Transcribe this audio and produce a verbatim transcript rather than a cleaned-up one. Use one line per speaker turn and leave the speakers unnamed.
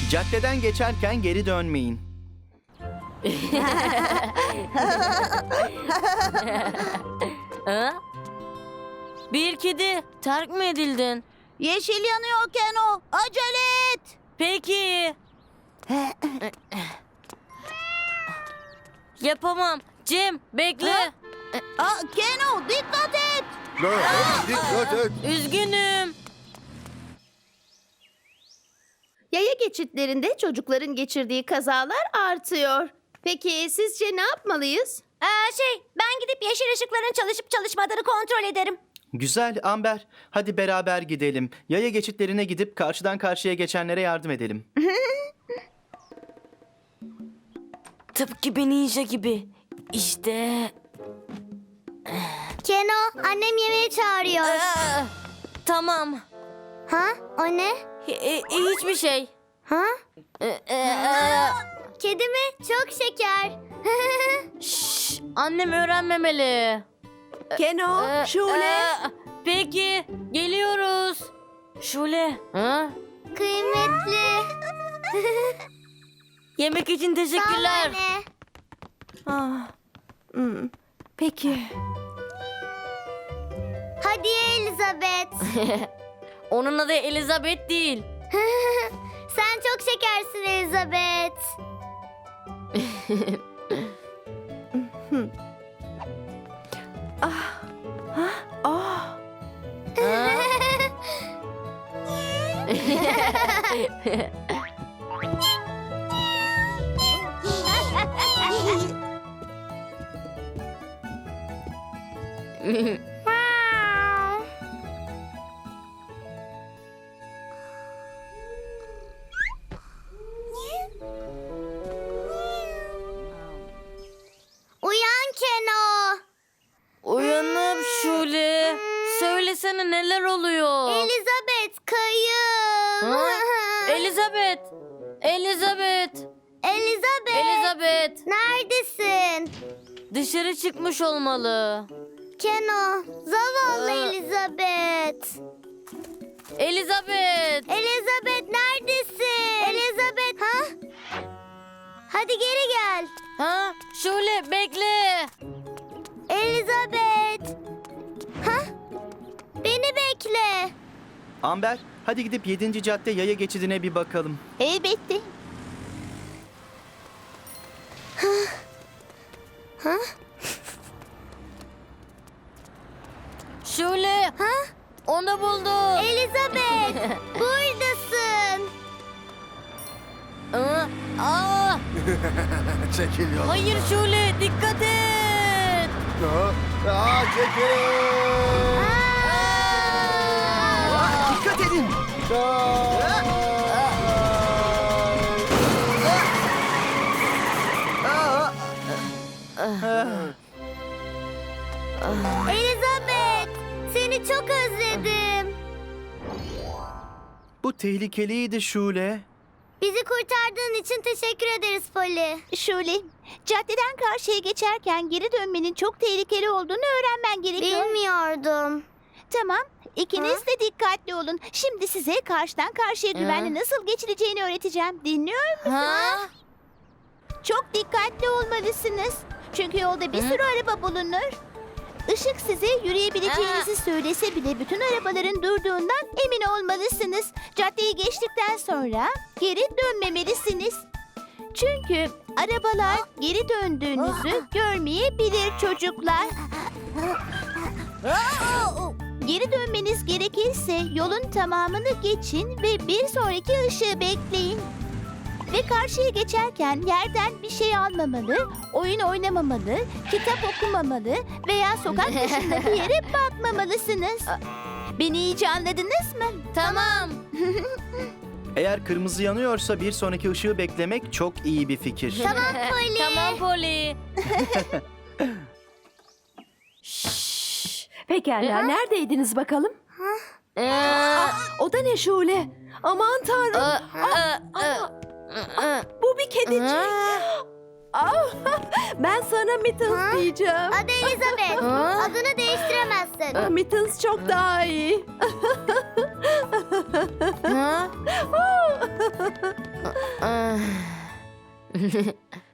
Caddeden geçerken geri dönmeyin.
Ha? Bir kedi terk mi edildin?
Yeşil yanıyor Keno. Acele et.
Peki. Yapamam. Cem bekle.
Aa, Keno dikkat et.
Dikkat et.
Üzgünüm.
Yaya geçitlerinde çocukların geçirdiği kazalar artıyor. Peki sizce ne yapmalıyız?
Ee, şey ben gidip yeşil ışıkların çalışıp çalışmadığını kontrol ederim.
Güzel Amber. Hadi beraber gidelim. Yaya geçitlerine gidip karşıdan karşıya geçenlere yardım edelim.
Tıpkı bir ninja gibi. İşte.
Keno annem yemeğe çağırıyor.
Aa, tamam.
Ha o ne?
Hi- hi- hiçbir şey.
Ha?
Ee, e, e,
Kedi mi? Çok şeker.
şşş, annem öğrenmemeli.
Keno,
Ee, e, peki geliyoruz. Şule. Ha?
Kıymetli.
Yemek için teşekkürler.
Anne.
Ah, hmm, peki.
Hadi Elizabeth.
Onun adı Elizabeth değil.
Sen çok şekersin Elizabeth.
Ah,
Uyan Keno.
Uyanıp Şule. Söylesene neler oluyor?
Elizabeth kayın.
Ha? Elizabeth. Elizabeth.
Elizabeth.
Elizabeth.
Neredesin?
Dışarı çıkmış olmalı.
Keno. Zavallı
Aa.
Elizabeth.
Elizabeth.
Elizabeth neredesin? Elizabeth. Ha? Hadi geri gel.
Ha? Şule bekle.
Elizabeth. Ha? Beni bekle.
Amber, hadi gidip yedinci cadde yaya geçidine bir bakalım.
Elbette.
Şule.
Ha?
Onu buldum.
Elizabeth. Buradasın.
Aa, aa,
Çekil yoldan.
hayır Şule dikkat et.
Aa, aa, çekil.
Ah, dikkat edin.
Elizabeth. Seni çok özledim.
Bu tehlikeliydi Şule.
Bizi kurtardığın için teşekkür ederiz Polly.
Şule, caddeden karşıya geçerken geri dönmenin çok tehlikeli olduğunu öğrenmen gerekiyor.
Bilmiyordum.
Tamam, ikiniz de dikkatli olun. Şimdi size karşıdan karşıya güvenli nasıl geçileceğini öğreteceğim. Dinliyor musunuz?
Ha?
Çok dikkatli olmalısınız. Çünkü yolda bir sürü araba bulunur. Işık size yürüyebileceğinizi söylese bile bütün arabaların durduğundan emin olmalısınız. Caddeyi geçtikten sonra geri dönmemelisiniz. Çünkü arabalar geri döndüğünüzü görmeyebilir çocuklar. Geri dönmeniz gerekirse yolun tamamını geçin ve bir sonraki ışığı bekleyin. Ve karşıya geçerken yerden bir şey almamalı, oyun oynamamalı, kitap okumamalı veya sokak dışında bir yere bakmamalısınız. Beni iyice anladınız mı?
Tamam.
Eğer kırmızı yanıyorsa bir sonraki ışığı beklemek çok iyi bir fikir.
Tamam Polly.
Tamam Polly.
Pekala, neredeydiniz bakalım?
Ee,
O da ne Şule? Aman tanrım,
ı, ı, ı, ı.
bu bir kedicik. Ah, ben sana Mittens diyeceğim.
Adı Elizabeth.
Ha?
Adını değiştiremezsin.
Ah, Mittens çok daha iyi.
Ha? ah.